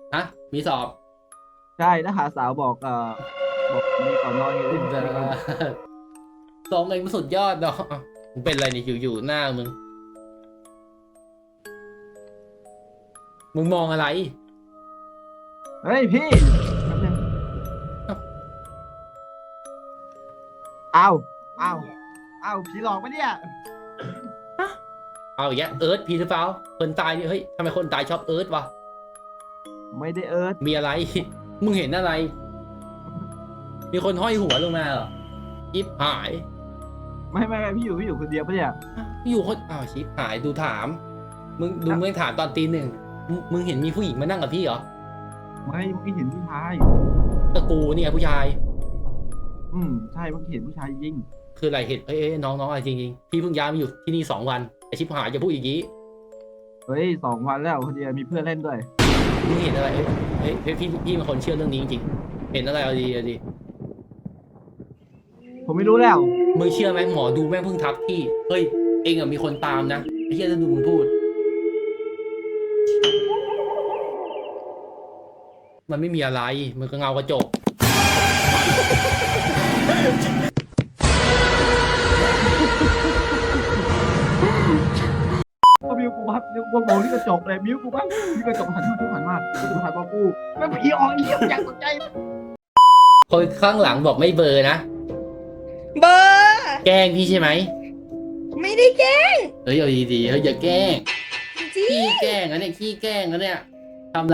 ฮะมีสอบใช่แล้วหาสาวบอกบอกมีก่อนนอนเลยสองเองมันสุดยอดเนาะมึงเป็นอะไรเนี่ยอยู่หน้ามึงมองอะไรเฮ้ยพี่แป๊บนึงอ้าวอ้าวอ้าวผีหลอกปะเนี่ยเอาอย่างเงี้ยเอิร์ธพีหรือเปล่าคนตายนี่เฮ้ยทำไมคนตายชอบเอิร์ธวะไม่ได้เอิร์ธมีอะไร มึงเห็นอะไร มีคนห้อยหัวลงมาเหรอชิปหายไม่พี่อยู่คนเดียวปะเนี่ยอยู่คนอ้าวชิปหายดูถามมึงถามตอนตีหนึ่งมึงเห็นมีผู้หญิงมานั่งกับพี่เหรอไม่เมื่อกี้เห็นผู้ชายตะกูเนี่ยผู้ชายใช่เมื่อกี้เห็นผู้ชายจริงคืออะไรเห็นเอ้ยน้องอะไรจริงพี่เพิ่งย้ายมาอยู่ที่นี่2 วันไอชิปหายจะพูดอย่างนี้เฮ้ย2 วันแล้วคนเดียวมีเพื่อนเล่นด้วยมึงเห็นอะไรเฮ้ยพี่เป็นคนเชื่อเรื่องนี้จริงๆเห็นอะไรเอาดีผมไม่รู้แล้วมึงเชื่อไหมหมอดูแม่งเพิ่งทักพี่เฮ้ยเองอะมีคนตามนะไอ้เหี้ยจะดูมึงพูดมันไม่มีอะไรมันก็เงากระจกก็มิวกูครับมิวกูมองที่กระจกเลยมิวกูบ้างที่กระจกหันมากูไม่ผีออกเยี่ยมอย่างตกใจคนข้างหลังบอกไม่เบลอร์นะเบอร์แกล้งพี่ใช่ไหมไม่ได้แกล้งเฮ้ยเอาดีๆเฮ้ยอย่าแกล้งจริขี้งแกล้งนะเนี่ยขี้แกล้งนะเนี่ยทำอะไร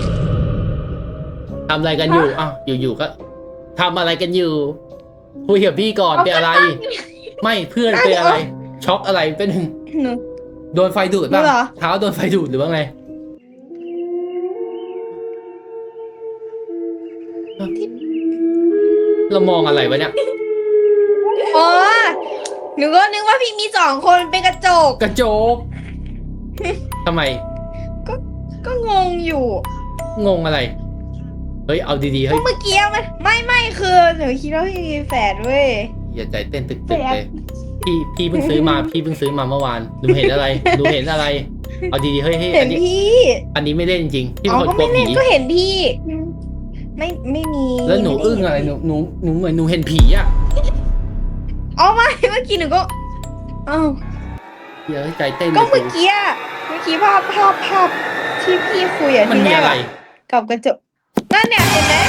กันอยู่อ้าวอยู่ก็ทำอะไรกันอยู่คุยกับพี่ก่อนเป็นอะไร ไม่เพื่อนเป็นอะไรช็อกอะไรเป็นหนูโดนไฟดูดป่ะเหรอเท้าโดนไฟดูดหรือว่าไงเรามองอะไรวะเนี่ยอ๋อหนูก็นึกว่าพี่มี2 คนเป็นกระจกกระจกทำไมก็งงอยู่งงอะไรเฮ้ยเอาดีๆเฮ้ยเมื่อกี้มันไม่คือหนูคิดว่าพี่มีแฝดเว้ยอย่าใจเต้นตึกๆเลยพี่เพิ่งซื้อมาเมื่อวานหนูเห็นอะไรเอาดีๆเฮ้ยเห็นพี่อันนี้ไม่เล่นจริงๆพี่อ๋เป็นคนกลัอก็ไม่วเล่ผีนก็เห็นพี่ ไม่มีแล้วหนูอึ้งอะไรหนูเหมือนหนูเห็นผีอ่ะอ๋อไม่เมื่อกี้หนูก็อ้าวเดี๋ยวใจเต้นก็เมื่อกี้ภาพที่พี่คุยอะมันที่มีแรกอะไรกับกระจกนั่นเนี่ยเห็นไหม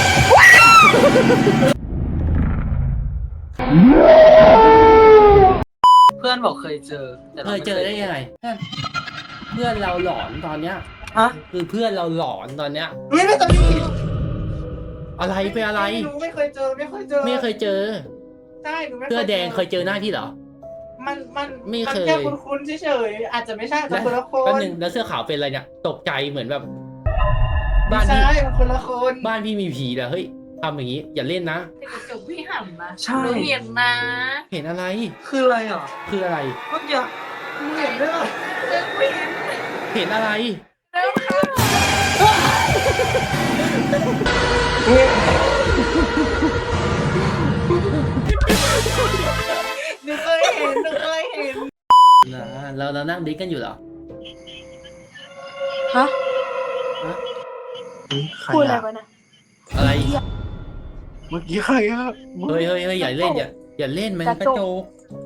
เพื่อนบอกเคยเจอแต่เคยเจอได้ยังไงเพื่อนเราหลอนตอนเนี้ยฮะคือเพื่อนเราหลอนตอนเนี้ยไม่เคยอะไรเป็นอะไรหนูไม่เคยเจอไม่เคยเจอไม่เคยเจอใช่หนูไม่เสื้อแดงเคยเจอหน้าพี่เหรอมันไม่เคยแค่คุ้นๆเฉยๆอาจจะไม่ใช่แต่แล้วคนละคแป๊บนนึงแล้วเสื้อขาวเป็นอะไรเนี่ยตกใจเหมือนแบบไม่บ้านใช่พี่มันคนละคนบ้านพี่มีผีเหรอเฮ้ยทำอย่างนี้อย่าเล่นนะแต่กระจกพี่หันนะใช่หนูเห็นนะเห็นอะไรคืออะไรอ่ะคืออะไรเมื่อกี้มึงเห็นด้วยเหรอเดินไม่เห็นเห็นอะไรแล้วค่ะหนูเคยเห็นนะเรานั่งดิสกันอยู่เหรอฮะ พูดอะไรอะวะนะอะไรเมื่อกี้ใครอะเฮ้ยอย่าเล่นอย่าเล่นมันกระโจก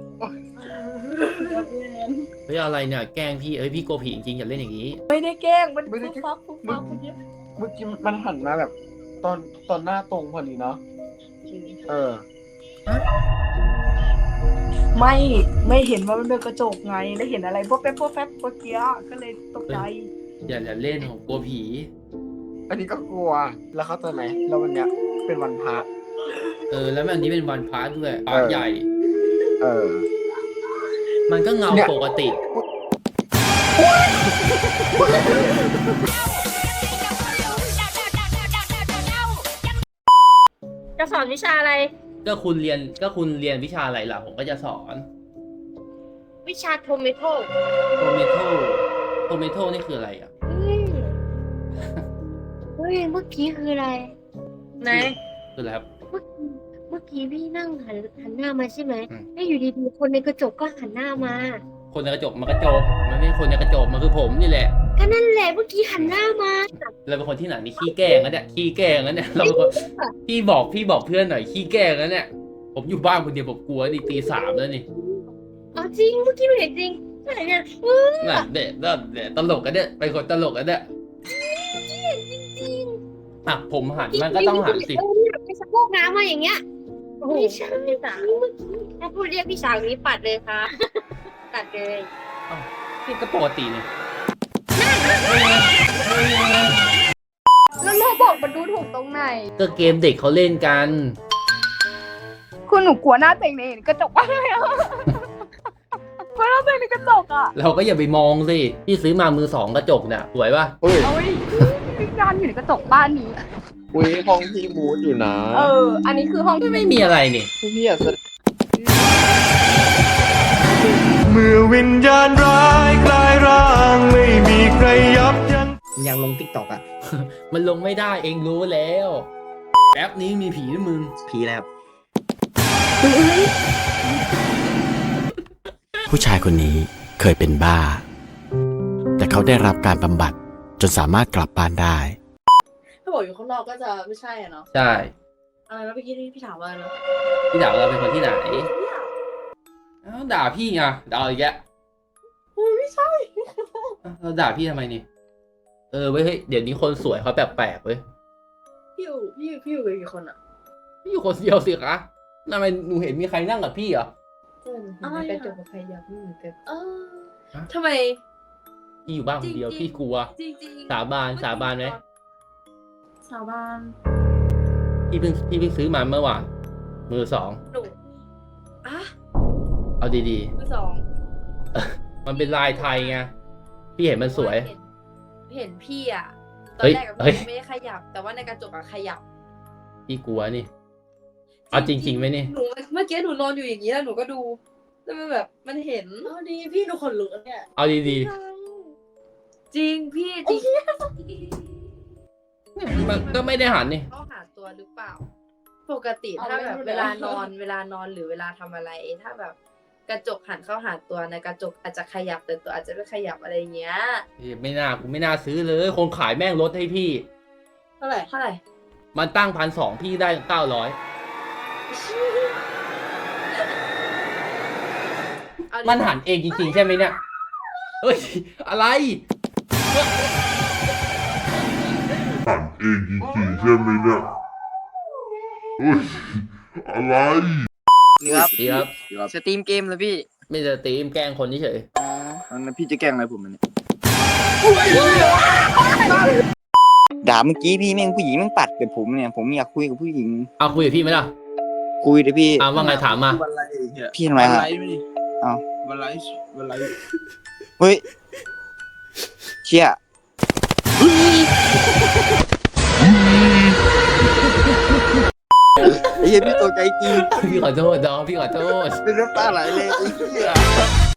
เฮ้ยอะไรเนี่ยแกล้งพี่พี่กลัวผีจริงๆอย่าเล่นอย่างนี้ไม่ได้แกล้งมันไม่ได้ฟักเมื่อกี้เมื่อกี้มันหันมาแบบ ตอนหน้าตรงพอดีเนาะเออไม่เห็นว่ามันเป็นกระจกไงแล้วเห็นอะไรพวกแป๊บเมื่อกี้ก็เลยตกใจอย่าเล่นผมกลัวผีอันนี้ก็กลัวแล้วเข้าใจไหมแล้ววันเนี้ยเป็นวันพระแล้ววันนี้เป็นวันพระด้วยพระใหญ่เออมันก็เงาเนี่ยปกติจะสอนวิชาอะไรก็คุณเรียนวิชาอะไรล่ะผมก็จะสอนวิชาโทเมโต้โทเมโตนี่คืออะไรอ่ะเฮ้ยเมื่อกี้คืออะไรไหนคืออะไรครับเมื่อกี้พี่นั่งหันหน้ามาใช่ไหมอืมแล้วอยู่ดีๆคนในกระจกก็หันหน้ามาคนในกระจกมันกระจกมันไม่ใช่คนในกระจกมันคือผมนี่แหละกก็นั่นแหละเมื่อกี้หันหน้ามาเราเป็นคนที่ไหนนี่ขี้แกล้งนะเนี่ยขี้แกล้งนะเนี่ยเราเป็นคนพี่บอกเพื่อนหน่อยขี้แกล้งนะเนี่ยผมอยู่บ้านคนเดียวผมกลัวนี่ตี 3แล้วนี่เอาจริงเมื่อกี้หนูเห็นจริงใช่เนี่ยน่ะเด็ดตลกกันเนี่ยเป็นคนตลกกันเนี่ยอ่ะผมหันมันก็ต้องหันสิไปสะโพกน้ำมาอย่างเงี้ยไม่ใช่ถ้าพูดเรียกพี่สาวนี้ปัดเลยค่ะปัดเลยนี่ก็ปกติเนี่ยแล้วโรบอกมันดูถูกตรงไหนก็เกมเด็กเขาเล่นกันคุณหนูกลัวหน้าเต็งในกระจกมากเลยอ่ะกลัวหน้าเต็งในกระจกอ่ะเราก็อย่าไปมองสิพี่ซื้อมามือ 2กระจกเนี่ยสวยป่ะเฮ้ยเอาไว้พี่งานอยู่ในกระจกบ้านนี้อุ้ยห้องพี่มูดอยู่นะอันนี้คือห้องที่ไม่มีอะไรนี่พี่อยากแสดงเมื่อวิญญาณร้ายกลายร่างไม่มีใครยับยั้งยังลงติ๊กต็อกอ่ะมันลงไม่ได้เองรู้แล้วแอปนี้มีผีนะมึงผีแล้วผู้ชายคนนี้เคยเป็นบ้า แต่เขาได้รับการบำบัดจนสามารถกลับบ้านได้ถ้าบอกอยู่ข้างนอกก็จะไม่ใช่อะเนาะใช่อะไรนะเมื่อกี้ที่พี่ถามว่าเนาะพี่ด่าเราเป็นคนที่ไหนเอ้าด่าพี่ไงด่าอีกแกไม่ใช่เราด่าพี่ทำไมนี่เว้ยเฮ้ยเดี๋ยวนี้คนสวยเขาแปลกๆเว้ยพี่อยู่กับกี่คนอะพี่อยู่คนเดียวสิคะทำไมหนูเห็นมีใครนั่งกับพี่เหรออะไรกระอะจกกับใครอยากไม่เหมือนกันทำไมพี่อยู่บ้านคนเดียวพี่กลัวจริงสาบานไหมสาบานพี่เพิ่งซื้อมาเมื่อวานมือ 2 หนูอ่ะเอาดีมือสองๆ มันเป็นลายไทยไงพี่เห็นมันสวยเห็นพี่อะตอเฮ้นยแรกกับเฮ้ยพี่ไม่ได้ขยับ แต่ว่าในกระจกอะขยับพี่กลัวนี่เอาจริงๆไหมนี่หนูเมื่อกี้หนูนอนอยู่อย่างนี้แล้วหนูก็ดูแล้วมันแบบมันเห็นดีพี่หนูขนลุกแล้วเนี่ยเอาดีจริงพี่จริงๆมันก็ไม่ได้หันนี่เขาหาตัวหรือเปล่า ปกติถ้าแบบเวลานอนหรือเวลาทำอะไร ถ้าแบบกระจกหันเข้าหาตัวในกระจกอาจจะขยับแต่ตัวอาจจะไม่ขยับอะไรเงี้ยกูไม่น่าซื้อเลยคนขายแม่งลดให้พี่เท่าไหร่มันตั้ง1,200พี่ได้900 เอาดิมันหันเองจริงๆใช่ไหมเนี่ยเฮ้ยอะไรหันเองจริงๆใช่ไหมเนี่ยเฮ้ยอะไรครับดีครับสตรีมเกมเลยพี่ไม่จะตีมแกล้งคนเฉยอ๋องั้นพี่จะแกล้งอะไรผมมันยด่าเมื่อกี้พี่แม่งผู้หญิงแม่งปัดกับผมเนี่ย ผมอยากคุยกับผู้หญิงเอาคุยกับพี่ไหมล่ะคุยเลยพี่ว่าไงถามมาวันไรเนี่ยพี่ทำไมครับ เอาวันไรเฮ้ยเชี่ย ไอ้เหี้ยพี่ตกใจจริงพี่ขอโทษน้องพี่ขอโทษเป็นน้ำตาไหลเลยไอ้เหี้ย